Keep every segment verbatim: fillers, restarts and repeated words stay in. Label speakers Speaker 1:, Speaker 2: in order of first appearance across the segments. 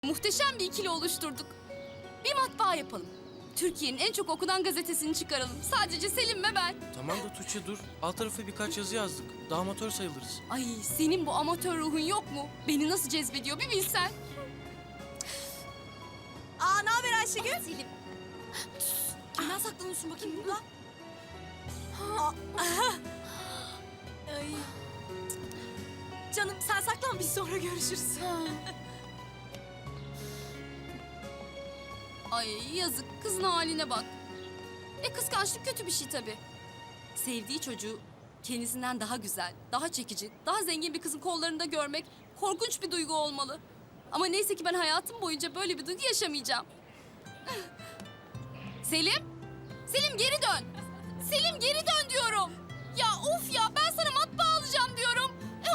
Speaker 1: Muhteşem bir ikili oluşturduk. Bir matbaa yapalım. Türkiye'nin en çok okunan gazetesini çıkaralım. Sadece Selim ve ben.
Speaker 2: Tamam da Tuğçe dur. Alt tarafı birkaç yazı yazdık. Daha amatör sayılırız.
Speaker 1: Ay senin bu amatör ruhun yok mu? Beni nasıl cezbediyor bir bilsen.
Speaker 3: Aa, ne haber Ayşegül?
Speaker 1: Selim.
Speaker 3: Kimden saklanıyorsun bakayım burada? Ay. Canım sen saklan, biz sonra görüşürüz.
Speaker 1: Ay yazık, kızın haline bak. E kıskançlık kötü bir şey tabii. Sevdiği çocuğu kendisinden daha güzel, daha çekici, daha zengin bir kızın kollarında görmek korkunç bir duygu olmalı. Ama neyse ki ben hayatım boyunca böyle bir duygu yaşamayacağım. Selim, Selim geri dön. Selim geri dön diyorum. Ya of ya, ben sana matbaa alacağım diyorum.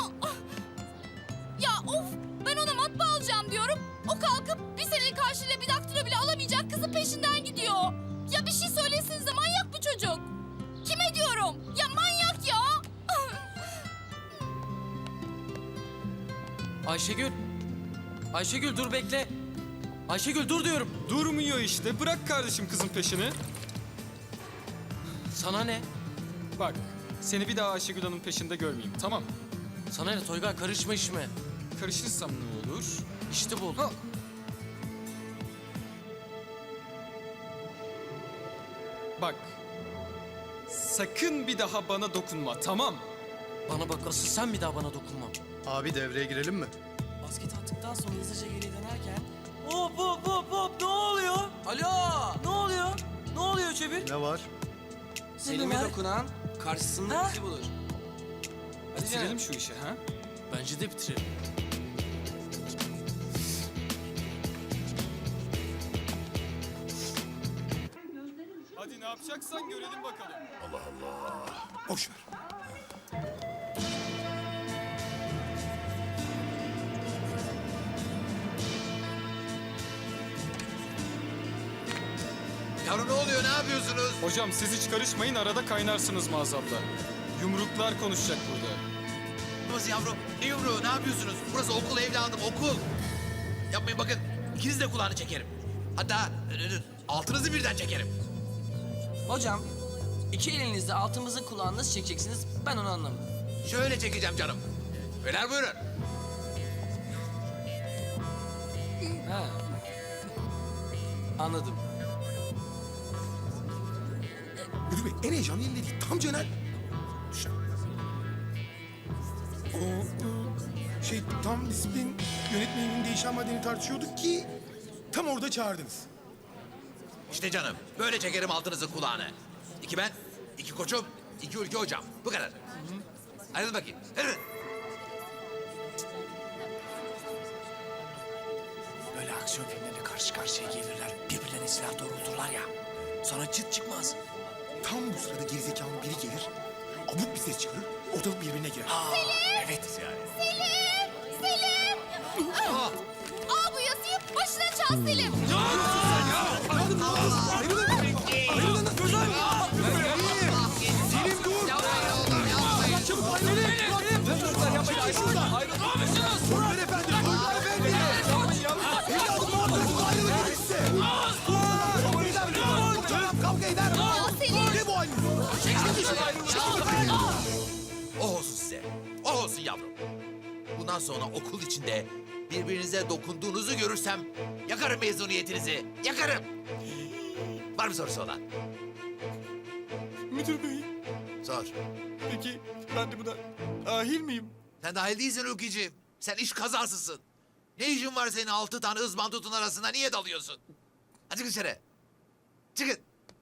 Speaker 1: Ya of, ben ona matbaa alacağım diyorum. O kalkıp bir senelik karşılığıyla bir daktilo bile alamayacak kızın peşinden gidiyor. Ya bir şey söylesenize, manyak bu çocuk. Kime diyorum? Ya manyak ya.
Speaker 2: Ayşegül. Ayşegül dur bekle. Ayşegül dur diyorum.
Speaker 4: Durmuyor işte. Bırak kardeşim kızın peşini.
Speaker 2: Sana ne?
Speaker 4: Bak, seni bir daha Ayşegül Hanım peşinde görmeyeyim, tamam?
Speaker 2: Sana ne Toygar, karışma işime.
Speaker 4: Karışırsam ne olur?
Speaker 2: İşte bu.
Speaker 4: Ha. Bak, sakın bir daha bana dokunma, tamam?
Speaker 2: Bana bak, asıl sen bir daha bana dokunma.
Speaker 5: Abi devreye girelim mi?
Speaker 6: Basket attıktan sonra hızlıca geriye dönerken... Hop hop hop hop, ne oluyor? Alo! Ne oluyor? Ne oluyor Çevir?
Speaker 5: Ne var?
Speaker 6: Selim'e
Speaker 7: dokunan karşısındaki bulur. Hadi
Speaker 4: Bitirelim şu işi, ha?
Speaker 2: Bence de bitirelim.
Speaker 4: Hadi ne yapacaksan görelim bakalım.
Speaker 5: Boş ver.
Speaker 8: Yavrum ne oluyor, ne yapıyorsunuz?
Speaker 4: Hocam siz hiç karışmayın, arada kaynarsınız maazallah. Yumruklar konuşacak burada.
Speaker 8: Nasıl yavrum? Ne yumruğu, ne yapıyorsunuz? Burası okul evladım, okul. Yapmayın bakın, ikiniz de kulağını çekerim. Hatta e, altınızı birden çekerim.
Speaker 6: Hocam, iki elinizle altımızı kulağını nasıl çekeceksiniz? Ben onu anlamadım.
Speaker 8: Şöyle çekeceğim canım. Beyler buyurun.
Speaker 6: Ha. Anladım.
Speaker 5: Müdür Bey en heyecanlı yerinde değil. Tam Cener. Düşün. O e, şey tam disiplin yönetmeninin değişen maddeni tartışıyorduk ki tam orada çağırdınız.
Speaker 8: İşte canım, böyle çekerim altınızın kulağını. İki ben, iki koçum, iki ülke hocam. Bu kadar. Hadi bakayım, hadi.
Speaker 7: Böyle aksiyon filmlerine karşı karşıya gelirler. Birbirlerine silah doğrulturlar ya. Sonra çıt çıkmaz.
Speaker 5: Tam bu sırada gerizekalı biri gelir. Abuk bir ses çıkarır. Ortalık birbirine girer.
Speaker 7: Evet yani.
Speaker 1: Selim! Selim!
Speaker 8: Aa,
Speaker 1: Al bu yazıyı, başına çal Selim. Aa, Selim!
Speaker 5: Ne bu haliniz?
Speaker 8: o olsun size. O olsun yavrum. Bundan sonra okul içinde birbirinize dokunduğunuzu görürsem yakarım mezuniyetinizi. Yakarım. Var mı sorusu olan?
Speaker 4: Müdür Bey,
Speaker 8: Sor.
Speaker 4: peki ben de buna dahil miyim?
Speaker 8: Sen dahil değilsin Ülkeciğim. Sen iş kazasısın. Ne işin var senin altı tane ızbandutun arasında? Niye dalıyorsun? Hadi çıkın dışarı. Çıkın.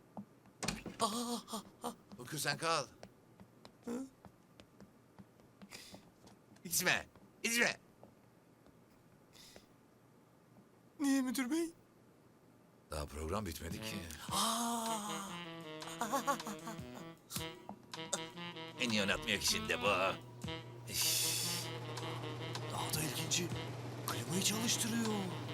Speaker 8: Ülkü sen kal. İçme. İçme.
Speaker 4: Niye müdür bey?
Speaker 8: Daha program bitmedi ki. En iyi oynatmayak işinde bu.
Speaker 7: Daha da ilginci. Klimayı çalıştırıyor.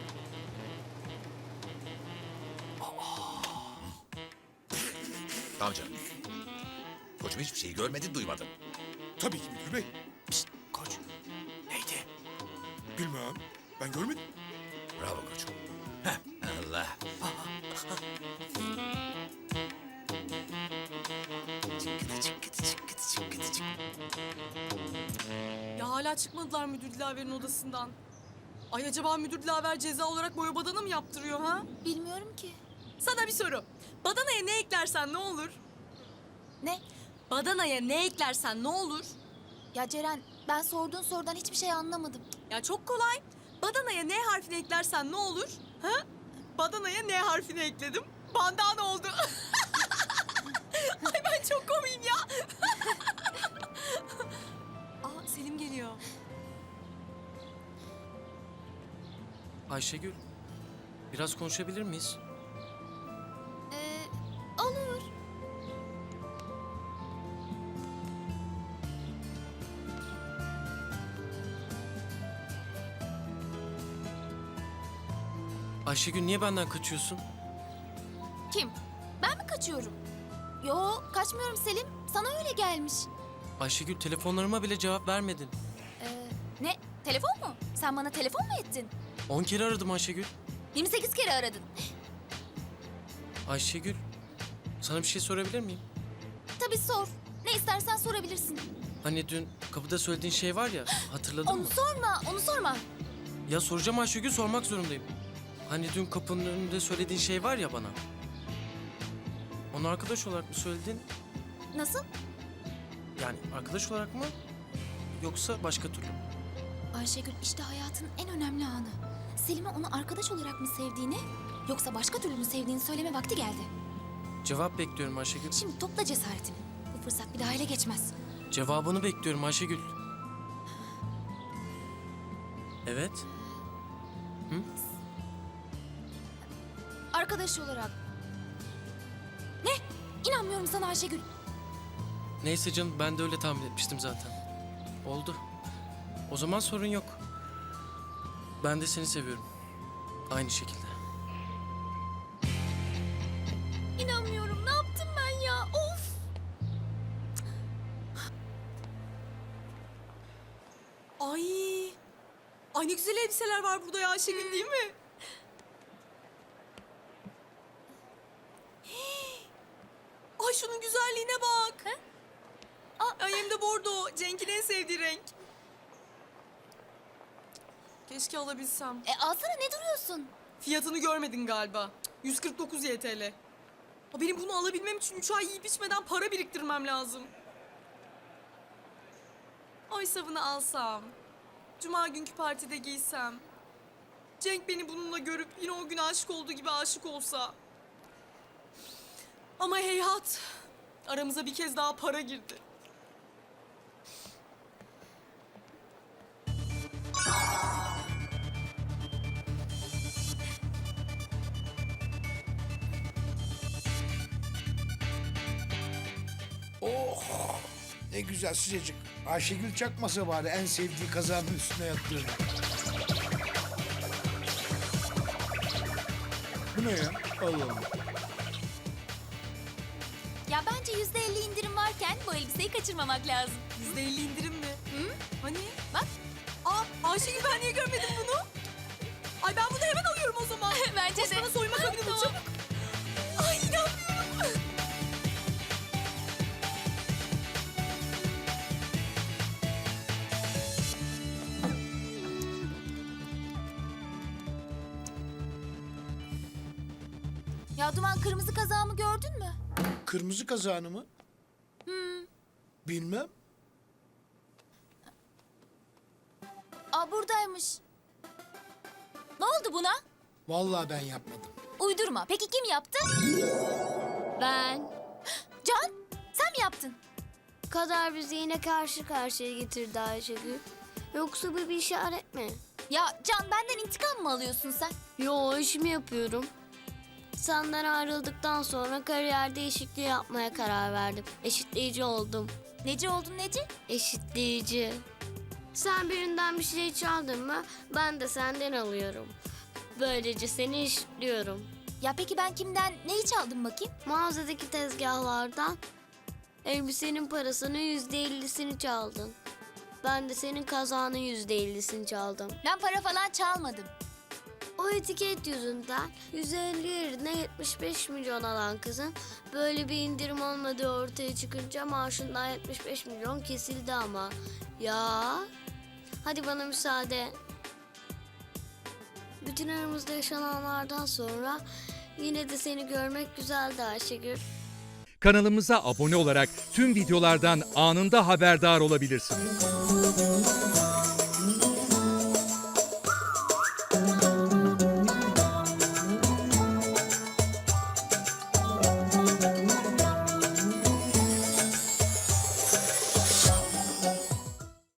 Speaker 8: Tamam canım. Koçum hiçbir şey görmedin, duymadın.
Speaker 5: Tabii ki müdür bey.
Speaker 7: Koç. Neydi?
Speaker 5: Bilmem. Ben görmedim.
Speaker 8: Bravo koçum. Heh, Allah.
Speaker 3: Ya hala çıkmadılar müdür Dilaver'in odasından. Ay acaba müdür Dilaver ceza olarak boya badana mı yaptırıyor ha?
Speaker 9: Bilmiyorum ki.
Speaker 3: Sana bir soru. Badanaya ne eklersen ne olur?
Speaker 9: Ne?
Speaker 3: Badanaya ne eklersen ne olur?
Speaker 9: Ya Ceren, ben sorduğun sorudan hiçbir şey anlamadım.
Speaker 3: Ya çok kolay. Badanaya N harfini eklersen ne olur? Ha? Badanaya N harfini ekledim. Bandana oldu. Ay ben çok komiyim ya. Aa Selim geliyor.
Speaker 2: Ayşegül, biraz konuşabilir miyiz?
Speaker 9: Ee, olur.
Speaker 2: Ayşegül niye benden kaçıyorsun?
Speaker 9: Kim? Ben mi kaçıyorum? Yo, kaçmıyorum Selim. Sana öyle gelmiş.
Speaker 2: Ayşegül telefonlarıma bile cevap vermedin.
Speaker 9: Ee, ne? Telefon mu? Sen bana telefon mu ettin?
Speaker 2: On kere aradım Ayşegül.
Speaker 9: yirmi sekiz kere aradın.
Speaker 2: Ayşegül, sana bir şey sorabilir miyim?
Speaker 9: Tabii sor. Ne istersen sorabilirsin.
Speaker 2: Hani dün kapıda söylediğin şey var ya, hatırladın
Speaker 9: Onu
Speaker 2: mı?
Speaker 9: sorma, onu sorma.
Speaker 2: Ya soracağım Ayşegül, sormak zorundayım. Hani dün kapının önünde söylediğin şey var ya bana. Onu arkadaş olarak mı söyledin?
Speaker 9: Nasıl?
Speaker 2: Yani arkadaş olarak mı? Yoksa başka türlü mü?
Speaker 9: Ayşegül, işte hayatın en önemli anı. Selim'e onu arkadaş olarak mı sevdiğini, yoksa başka türlü mü sevdiğini söyleme vakti geldi.
Speaker 2: Cevap bekliyorum Ayşegül.
Speaker 9: Şimdi topla cesaretini. Bu fırsat bir daha ele geçmez.
Speaker 2: Cevabını bekliyorum Ayşegül. Evet.
Speaker 9: Arkadaş olarak. Ne? İnanmıyorum sana Ayşegül.
Speaker 2: Neyse canım, ben de öyle tahmin etmiştim zaten. Oldu. O zaman sorun yok. Ben de seni seviyorum. Aynı şekilde.
Speaker 9: İnanmıyorum. Ne yaptım ben ya? Of!
Speaker 3: Ay. Ay ne güzel elbiseler var burada ya Ayşegül değil mi? Hii. Ay şunun güzelliğine bak. Aa, ay hem de bordo. Cenk'in en sevdiği renk. Keşke alabilsem.
Speaker 9: E alsana, ne duruyorsun?
Speaker 3: Fiyatını görmedin galiba. yüz kırk dokuz Y T L. Ha, benim bunu alabilmem için üç ay yiyip içmeden para biriktirmem lazım. Oysa bunu alsam, cuma günkü partide giysem, Cenk beni bununla görüp yine o gün aşık olduğu gibi aşık olsa. Ama heyhat, aramıza bir kez daha para girdi.
Speaker 7: Oh! Ne güzel sıcacık. Ayşegül çakmasa bari en sevdiği kazanın üstüne yattığını. Bu ne ya? Allah Allah.
Speaker 9: Ya bence yüzde elli indirim varken bu elbiseyi kaçırmamak lazım.
Speaker 3: Yüzde elli indirim mi?
Speaker 9: Hı?
Speaker 3: Hani?
Speaker 9: Bak.
Speaker 3: Aa Ayşegül ben niye görmedim bunu? Ay ben bunu hemen alıyorum o zaman.
Speaker 9: Bence
Speaker 3: Koş
Speaker 9: de.
Speaker 3: bana soyma kabini bul çabuk. Ay inanmıyorum.
Speaker 9: Ya Duman, kırmızı kazağımı gördün mü?
Speaker 7: Kırmızı kazağını mı? Bilmem.
Speaker 9: Aa, buradaymış. Ne oldu buna?
Speaker 7: Vallahi ben yapmadım.
Speaker 9: Uydurma. Peki kim yaptı?
Speaker 10: Ben.
Speaker 9: Can, sen mi yaptın?
Speaker 10: Kader bizi yine karşı karşıya getirdi Ayşegül. Yoksa bu bir işaret mi?
Speaker 9: Ya Can, benden intikam mı alıyorsun sen?
Speaker 10: Yo, işimi yapıyorum. Senden ayrıldıktan sonra kariyer değişikliği yapmaya karar verdim. Eşitleyici oldum.
Speaker 9: Neci oldun Neci?
Speaker 10: Eşitleyici. Sen birinden bir şey çaldın mı ben de senden alıyorum. Böylece seni eşitliyorum.
Speaker 9: Ya peki ben kimden neyi çaldım bakayım?
Speaker 10: Mağazadaki tezgahlardan elbisenin parasının yüzde ellisini çaldın. Ben de senin kazağının yüzde ellisini çaldım.
Speaker 9: Ben para falan çalmadım.
Speaker 10: O etiket yüzünden yüz elli yerine yetmiş beş milyon alan kızın böyle bir indirim olmadığı ortaya çıkınca maaşından yetmiş beş milyon kesildi ama. Ya hadi bana müsaade. Bütün aramızda yaşananlardan sonra yine de seni görmek güzeldi Ayşegül.
Speaker 11: Kanalımıza abone olarak tüm videolardan anında haberdar olabilirsiniz.